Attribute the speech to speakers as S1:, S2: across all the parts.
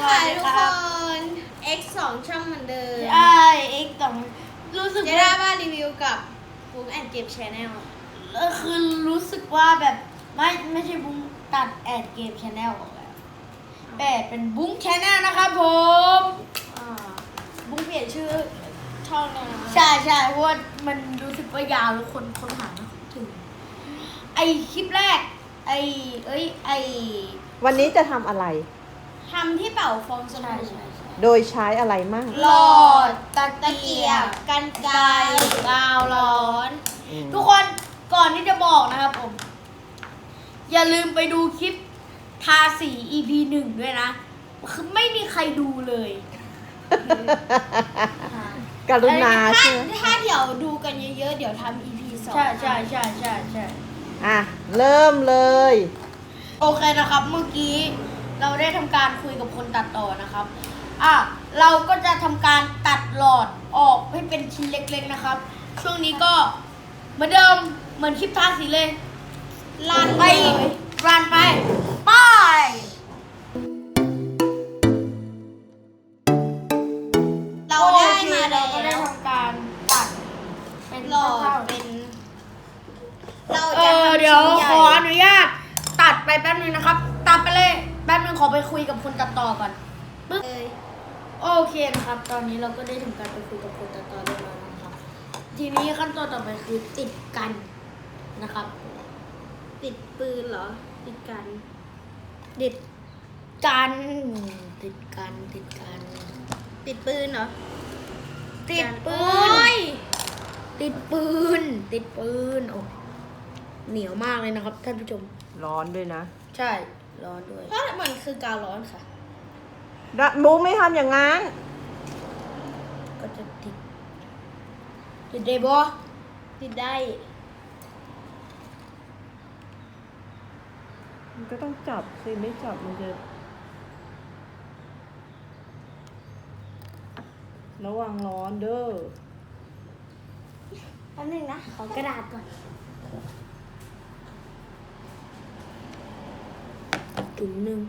S1: ค่ะทุกคน X 2ช่องเหมือนเดิม
S2: ใช่ X 2รู้สึก
S1: จะได้มารีวิวกับบุ๊กแอนเกมชแนล
S2: คือรู้สึกว่าแบบไม่ใช่บุ้งตัดแอดเกมชแนลออกแล้วแต่เป็นบุ้งชแนลนะครับผม
S1: บุ๊กเปลี่ยนชื่อช่องแล้วนะ
S2: ใช่เพราะว่ามันรู้สึกว่ายาวแล้วคนหาไม่ถึงไอคลิปแรกไอ
S3: วันนี้จะทำอะไร
S1: ทำที่เป่าฟองส
S2: ใช่
S1: บู่
S3: โดยใช้อะไรมั่ง
S2: หลอดตะ
S1: ตะ
S2: เกี
S1: เกี
S2: ย
S1: ย
S2: บบ
S1: กันไกร
S2: กาวร้อน
S3: อืม
S2: ทุกคนก่อนที่จะบอกนะครับผม อย่าลืมไปดูคลิปทาสี EP 1 ด้วยนะ คือไม่มีใครดูเลย
S3: กรุณา
S1: ถ้า
S3: ใช่ไหม
S1: ถ้าเดี๋ยวดูกันเยอะๆ เดี๋ยวทำ EP 2
S2: ใช่
S3: อ่ะ เริ่มเลย
S2: โอเคนะครับ เมื่อกี้เราได้ทำการคุยกับคนตัดต่อนะครับ เราก็จะทำการตัดหลอดออกให้เป็นชิ้นเล็กๆนะครับ ช่วงนี้ก็เหมือนเดิมเหมือนคลิปทาสีเลย
S1: ลั่น
S2: ไป
S1: เลย
S2: รันไปไป
S1: เราได้มา
S2: เราก็ได้
S1: แล้ว
S2: ทำการตัดเป็น
S1: หลอด
S2: ท่า
S1: เป็น เรา
S2: ๆ
S1: จะทำ
S2: เดี๋ยว
S1: ชิ้นใหญ่
S2: ขออนุญาตตัดไปแป๊บนึงนะครับ ตัดไปเลยแป๊บนึงขอไปคุยกับคนตัดต่อก่อนปึ๊บ
S1: เลย
S2: โอเคนะครับ ตอนนี้เราก็ได้ทำการไปคุยกับคนตัดต่อเรียบร้อยแล้วนะครับ ทีนี้ขั้นตอนต่อไปคือติดกันนะครับ
S1: ติดปืนเหรอ ติดกัน
S2: ติดกันติดกัน
S1: ติดปืนเหรอ
S2: ติดปื
S1: โอ้
S2: น
S1: ย
S2: ติดปืนโอ้เหนียวมากเลยนะครับท่านผู้ชม
S3: ร้อนด้วยนะ
S2: ใช่ร้อนด้วย
S1: เพราะมันคือกาวร้อนค่ะ
S3: บุ๊กไม่ทำอย่างนั้น
S2: ก็จะติดได้บ่
S1: ติดได้
S3: มันก็ต้องจับสิ ไม่จับมันจะ ระวังร้อนเด้อ
S2: แป๊บนึงนะขอกระดาษก่อนถุงหนึ่ง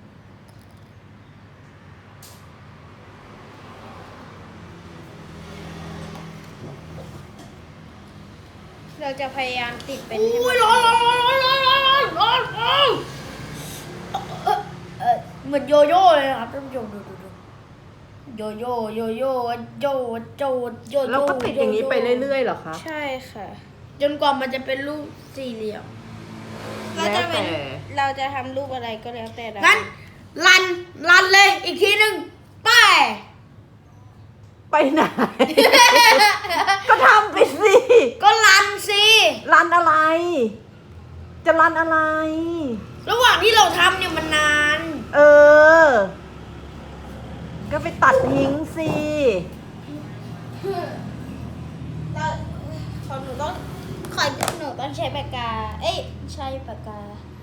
S1: เราจะพยายามติดเป็น
S2: อุ้ยร้อนเหมือนโยโย่เลยนะครับท่านผู้ชมดูโยโย่โย
S3: แล้วก็ติดอย่างนี้ไปเรื่อยๆเหรอคะ
S1: ใช่ค่ะ
S2: จนกว่ามันจะเป็นรูปสี่เหลี่ยม
S1: เราจะเป็น
S3: แล้วแต่
S1: เราจะทำรูปอะไรก็แล้วแต่เรา
S2: งั้นรันเลยอีกทีหนึ่งไป
S3: ไปไหน ก็ทำไปสิ
S2: ก็รันสิ
S3: รันอะไร จะรันอะไร
S2: ระหว่างที่เราทำเนี่ยมันนาน
S3: เออ ก็ไปตัดทิ้งสิ
S1: เราของหนูต้องหนูต้องใช้ปากกา เอ้ยใช้ปากกา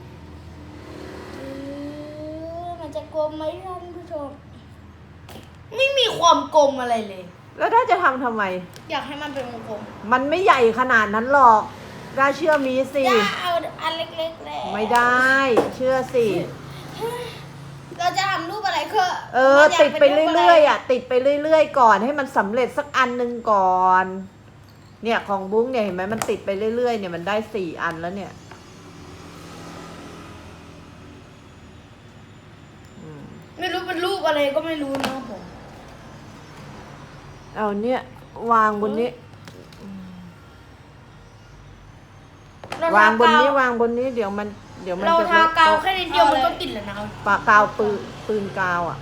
S1: มันจะกลมไหมท่านผู้ชม
S2: ไม่มีความกลมอะไรเลย
S3: แล้วถ้าจะทำไม
S1: อยากให้มันเป็นวงกลม
S3: มันไม่ใหญ่ขนาดนั้นหรอกได้เชื่อมีสิ
S1: อย่าเอาอันเล็กๆเลย
S3: ไม่ได้ เชื่อสิ
S1: เราจะทำรูปอะไรก็
S3: ติดไปเรื่อยๆอ่ะ ติดไปเรื่อยๆก่อนให้มันสำเร็จสักอันหนึ่งก่อน เนี่ยของบุ้งเนี่ยเห็นไหมมันติดไปเรื่อยๆเนี่ยมันได้4 อันแล้วเนี่ยอืม
S2: ไม่รู้เป็นรูปอะไรก็ไม่รู้นะครับผม
S3: เอาเนี่ยวางบนนี้ วางบนนี้วางบนนี้เดี๋ยวมัน
S2: เรา
S3: จะ
S2: ทากาวแค่นิดเดียวมันก็ติดแล้วนะครับ
S3: ปากกาวปืนกาวอ่ะ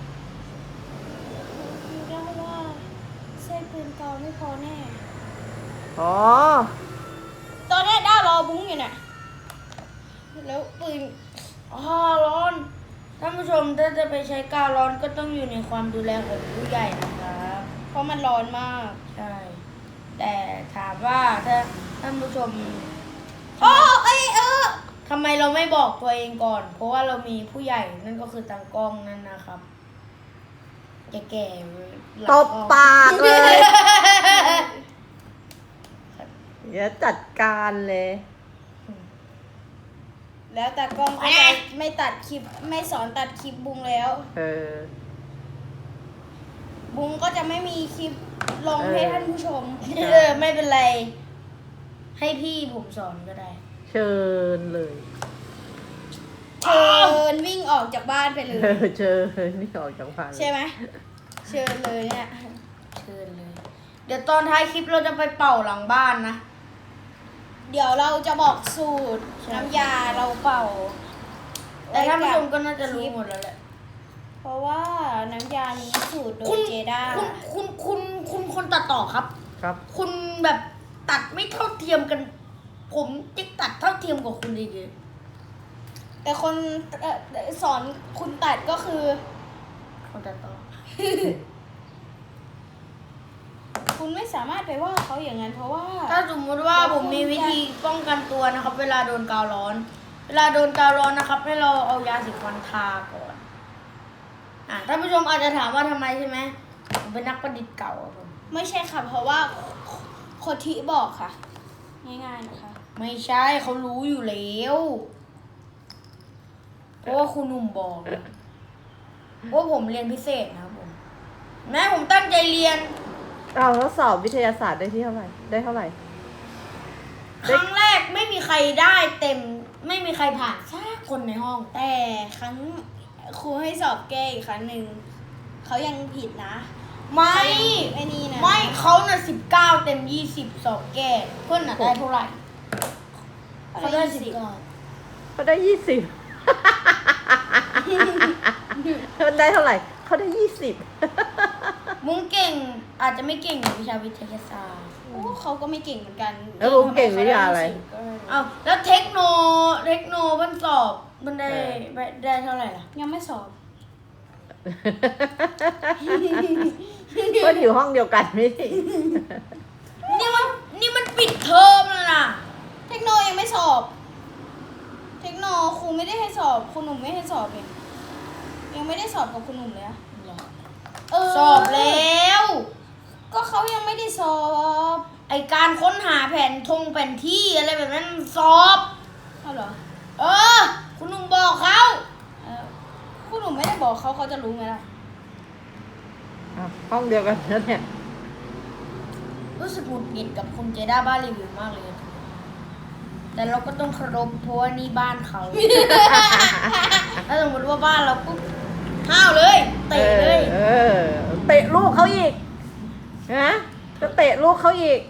S1: เรียกว่าใช้ปืนกาวไม่พอแน่
S3: อ๋อ
S1: ตอนนี้ด้ารอบุ้งอยู่เนี่ยแล้วปืน
S2: ร้อนท่านผู้ชมถ้าจะไปใช้กาวร้อนก็ต้องอยู่ในความดูแลของผู้ใหญ่นะครับ
S1: เพราะมันร้อนมาก
S2: ใช่ แต่ถามว่าถ้าท่านผู้ชม
S1: โอ้
S2: ทำไมเราไม่บอกตัวเองก่อน เพราะว่าเรามีผู้ใหญ่นั่นก็คือตากล้องนั่นนะครับแก่ๆหลัง
S3: ต
S2: กล้
S3: บ
S2: อง
S3: ปากเลยเดี๋ยวจัดการเลย
S1: แล้วแต่กล้องก็จะไม่ตัดคลิปไม่สอนตัดคลิปบุงแล้ว
S3: เออ
S1: บุงก็จะไม่มีคลิปลงให้ท่านผู้ชม
S2: ไม่เป็นไร ให้พี่ผมสอนก็ได้
S3: เชิญเลย
S1: เชิญวิ่งออกจากบ้านไปเลย
S3: เชิญนี่ออกจากบ้านเลย
S1: ใช่ไหมเชิญเลยเนี่ย
S2: เชิญเลย เดี๋ยวตอนท้ายคลิปเราจะไปเป่าหลังบ้านนะ
S1: เดี๋ยวเราจะบอกสูตร
S2: ใช่
S1: น้ำยาเราเป่า
S2: แต่ท่านผู้ชมก็น่าจะรู้หมดแล้วแหละ
S1: เพราะว่าน้ำยานี้สูตรโด
S2: คุ
S1: ย
S2: ณ
S1: เจด้า
S2: คุณคนตัดต่อครับ
S3: ครับ
S2: คุณแบบตัดไม่เท่าเทียมกัน ผมจะตัดเท่าเทียมกับคุณดี
S1: แต่คนสอนคุณตัดก็คือ
S2: คนตัดต่อ
S1: คุณไม่สามารถไปว่าเขาอย่างนั้นเพราะว่า
S2: ถ้าสมมติว่าผมมีวิธีป้องกันตัวนะครับ เวลาโดนกาวร้อน เวลาโดนกาวร้อนนะครับ ให้เราเอายาสีฟันทาก่อนท่านผู้ชมอาจจะถามว่าทำไมใช่ไหมผมเป็นนักประดิษฐ์เก่าอะผม
S1: ไม่ใช่ค่ะ เพราะว่าโคทิบอกค่ะ ง่ายๆนะคะ
S2: ไม่ใช่เขารู้อยู่แล้วเพราะว่าคุณหนุ่มบอกว่าผมเรียนพิเศษนะครับผมแม่ผมตั้งใจเรียน
S3: เอาแล้วสอบวิทยาศาสตร์ได้ที่เท่าไหร่ ได้เท่าไหร่
S2: ครั้งแรกไม่มีใครได้เต็ม ไม่มีใครผ่านสักคนในห้อง
S1: แต่ครั้งครูให้สอบแก้อีกครั้งหนึ่งเขายังผิดนะ
S2: ไม่
S1: ไอ้นี่นะ
S2: ไม่เขาน่ะ19 เต็ม 20 สอบแก้เพื่อนน่ะได้เท่าไหร่เขาได้19
S3: เขาได้ 20 เขาได้เท่าไหร่ เขาได้ 20
S2: มุ้งเก่งอาจจะไม่เก่งในวิชาวิทยาศาสตร์
S1: โอ้เขาก็ไม่เก่งเหมือนกัน
S3: แล้วลุงเก่งวิทยาอะไร
S2: เอาแล้วเทคโนมันสอบมันได้เท่าไหร่ล่ะ
S1: ยังไม่สอบ
S3: ก็อยู่ห้องเดียวกันไม่ใช่
S2: นี่มันปิดเทอมแล้วนะ
S1: เทคโนยังไม่สอบ เทคโนครูไม่ได้ให้สอบคุณหนุ่มไม่ให้สอบเลยยังไม่ได้สอบกับคุณหนุ่มเลยอะเ
S2: สอบแล้ว
S1: ก็เขายังไม่ได้สอบ
S2: ไอการค้นหาแผนที่อะไรแบบนั้นสอบ
S1: เอาเหรอ
S2: คุณหนุ่มบอกเขา
S1: เออคุณหนุ่มไม่ได้บอกเขาจะรู้ไหมล่ะ
S3: อ้าวห้องเดียวกันแล้วเนี่ย
S2: รู้สึกหงุดหงิดกับคุณเจด้าบ้านรีวิวมากเลย แต่เราก็ต้องเคารพเพราะว่านี่บ้านเขา ถ้าสมมติว่าบ้านเราปุ๊บห้าวเลยเตะเลย
S3: เตะลูกเขาอีกนะก็เตะลูกเขาอีก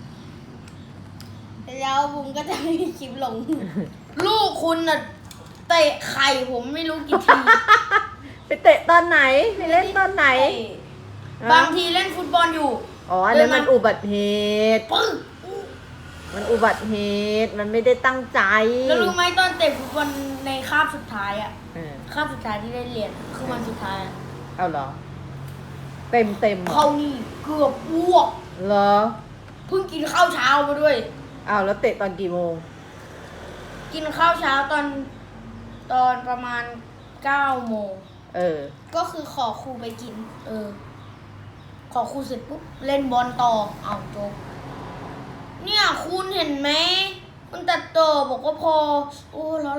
S1: แล้วบุ้งก็จะไม่มีคลิปลง
S2: ลูกคุณน่ะเตะไข่ผมไม่รู้กี่ที
S3: ไปเตะตอนไหน ไปเล่นตอนไหน
S2: บางทีเล่นฟุตบอลอยู่
S3: อ๋ออันนั้นมันอุบัติเหตุ
S2: ปึ้ง
S3: มันอุบัติเหตุ มันไม่ได้ตั้งใจ
S2: แล้วรู้ไหมตอนเตะฟุตบอลในคาบสุดท้ายอะ
S3: เออ
S2: คาบสุดท้ายที่ได้เรียนคือวันสุดท้ายอะ
S3: เอาเหรอ เต็มเหรอ
S2: เขานี่เกือบอ้วก
S3: เหรอ
S2: เพิ่งกินข้าวเช้ามาด้วย
S3: เอาแล้วเตะตอนกี่โมง
S2: กินข้าวเช้าตอนประมาณ9 โมง
S3: เออ
S1: ก็คือขอครูไปกิน
S2: ขอครูเสร็จปุ๊บเล่นบอลต่อเอาจบเนี่ยคุณเห็นไหมคุณตัดต่อบอกว่าพอ โอ้แล้ว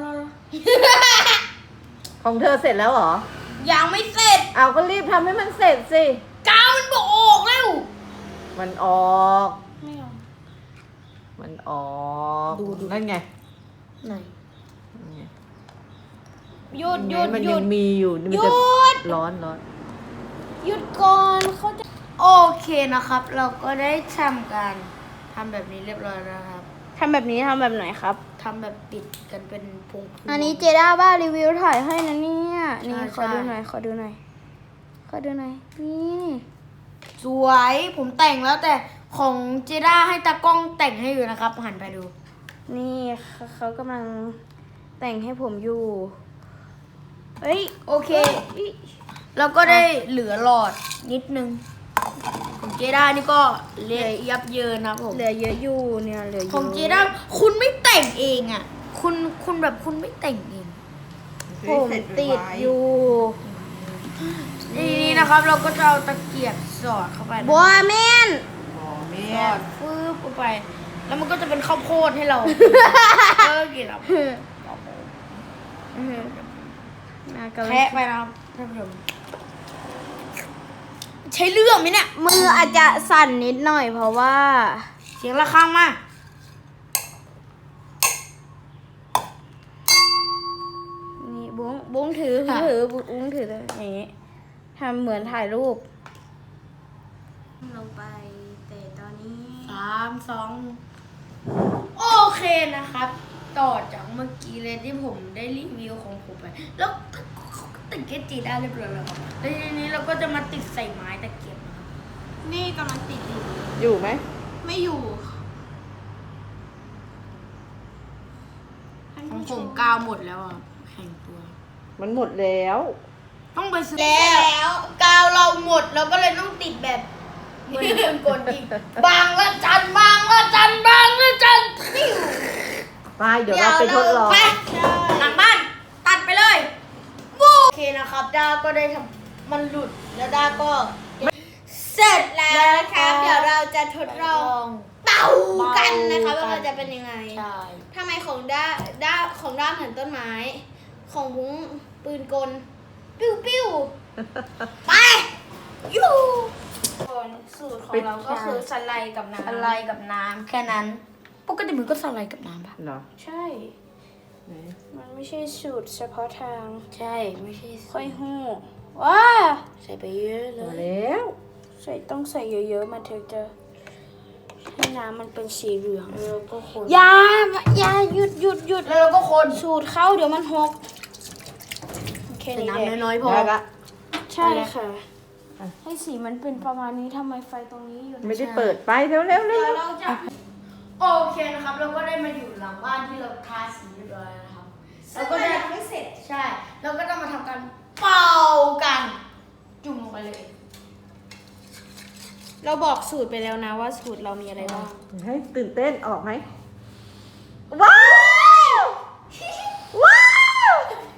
S3: ของเธอเสร็จแล้วเหรอ
S2: ยังไม่เสร็จ
S3: เอาก็รีบทำให้มันเสร็จสิ
S2: กาวมันบอกออกแล้ว
S3: มันออก
S1: ไม่เอา
S3: มันออก
S2: ดู
S3: นั่นไง
S2: ไหน
S3: นั่นไง
S1: หยุดหยุด
S3: มัน
S1: หยุ
S3: ยั
S1: ด
S3: งมีอยู่มัน
S1: หยุ
S3: จะ
S1: ด
S3: ร้อน
S1: หยุดก่อนเขาจะ
S2: โอเคนะครับ เราก็ได้ทำการทำแบบนี้เรียบร้อยแล้วครับ
S1: ทำแบบนี้ทำแบบไหนครับ
S2: ทำแบบติดกันเป็นพวงๆ
S1: อันนี้เจด้าบ้ารีวิวถ่ายให้นะเนี่ยนี่
S2: ใช่
S1: ขอดู
S2: ใช่
S1: หน่อยขอดูหน่อยขอดูหน่อยนี่
S2: สวยผมแต่งแล้วแต่ของเจด้าให้ตากล้องแต่งให้อยู่นะครับ หันไปดู
S1: นี่เขากำลังแต่งให้ผมอยู่เอ้ย
S2: โอเค แล้วก็ได้เหลือหลอดนิดนึงของเจด้านี่ก็เละยับเยินนะครับผม
S1: เหลือเยอะอยู่เนี่ยเหลือเยอะ
S2: ของเจด้าคุณไม่แต่งเองอ่ะ คุณแบบคุณไม่แต่งเอง
S1: ผมติดอยู่
S2: นี่นะครับ เราก็จะเอาตะเกียบสอดเข้าไปนะ
S1: บัวแมน
S2: สอดฟืบเข้าไป แล้วมันก็จะเป็นข้าวโพดให้เรา กินแล้วแคะไปนะครับท่านผู้ชมใช้เรื่องไหมเนี่ย
S1: มืออาจจะสั่นนิดหน่อยเพราะว่า
S2: เสียงระฆังมา
S1: นี่บุ้งถือบุ้งถือเลยอย่างงี้ทำเหมือนถ่ายรูป ลงไปแต่ตอนนี้
S2: 3 2โอเคนะครับ ต่อจากเมื่อกี้เลยที่ผมได้รีวิวของผมไป แล้วเขาก็ติดเกจิได้เรียบร้อยแล้วครับแล้วทีนี้เราก็จะมาติดใส่ไม้ตะเกียบนะครับ
S1: นี่กำลังติดอยู่
S3: อยู่ไหม
S1: ไม่อยู่
S2: ของผมกาวหมดแล้วอ่ะแข่งตัว
S3: มันหมดแล้ว
S2: ต้องไปซื้อ
S1: แล้วกาวเราหมดเราก็เลยต้องติดแบบเหมือนคนกลอีก
S2: บางละจันบางละจันบางละจัน
S3: ไป เดี๋ยวเราไปทดลอง
S2: ไปหลังบ้านตัดไปเลยโอเคนะครับด้าก็ได้ทำมันหลุดแล้วด้าก็
S1: เสร็จแล้วนะครับ เดี๋ยวเราจะทดลองเป่ากันนะคะว่ามันจะเป็นยังไง
S2: ใช่
S1: ทำไมของด้าของด้าเหมือนต้นไม้ ของบุ้งปืนกล ปิ้วปิ้วไปยูสูตรของเราก็คือสไลด์กับน้ำ
S2: สไลด์กับน้ำแค่นั้นปกติมันก็สไลด์กับน้ำปะ
S3: เหรอ
S1: ใช่
S3: ไหน
S1: มันไม่ใช่สูตรเฉพาะทาง
S2: ใช่ไม่ใช่
S1: ค่อยหู้ว้า
S2: ใส่ไปเยอะเล
S3: เอา
S2: ย
S3: แล้ว
S1: ต้องใส่เยอะๆมันถึงจะให้น้ำมันเป็นสีเหลือง
S2: แล้วก็คน
S1: อย่าหยุด
S2: แล้วเราก็คน
S1: สูตรเข้าเดี๋ยวมันหกโอเค
S2: ใส่
S1: นี่
S2: น้ำ
S1: แหละ
S2: น้อยๆพอ
S3: ได้ละ
S1: ใช่ค่ะ ให้สีมันเป็นประมาณนี้ทำไมไฟตรงนี้อยู่
S3: ไม่ได้เปิดไปเร็วเร็วเร็
S1: เดี๋ยว
S3: ว
S1: เราจะ
S2: โอเคนะครับ เราก็ได้มาอยู่หลังบ้านที่เราทาสีเรียบร้อยแล้วนะครับ
S1: เราก็ยังไม่เสร็จ
S2: ใช่ เราก็จะมาทำการเป่ากัน จุ่มลงไปเลย
S1: เราบอกสูตรไปแล้วนะว่าสูตรเรามีอะไรบ้าง
S3: ให้ตื่นเต้นออกไหมว้าวว้าว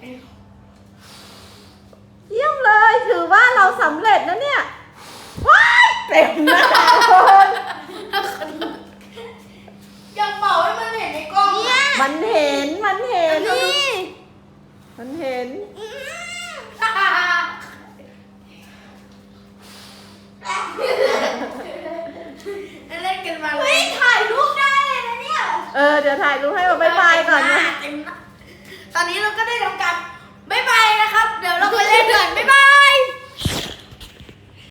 S3: เยี่ยมเลยถือว่าเราสำเร็จนะเนี่ยว้ายเต็มหน้าคน
S2: อย่าเป่าให้มันเห็นในกล้อง
S1: เนี่ย
S3: มันเห็นมันเห็น
S1: นี่
S3: มันเห็น
S2: เล่นกันมาเล
S1: เฮ้
S2: ย
S1: ยถ่ายรูปได้เลยนะเนี่ย
S3: เดี๋ยวถ่ายรูปให้มาบ๊ายบายก่อนนะ
S2: เต็มหน้าตอนนี้เราก็ได้ทำการบ๊ายบายนะครับ เดี๋ยวเราไปเล่นกันบ๊ายบาย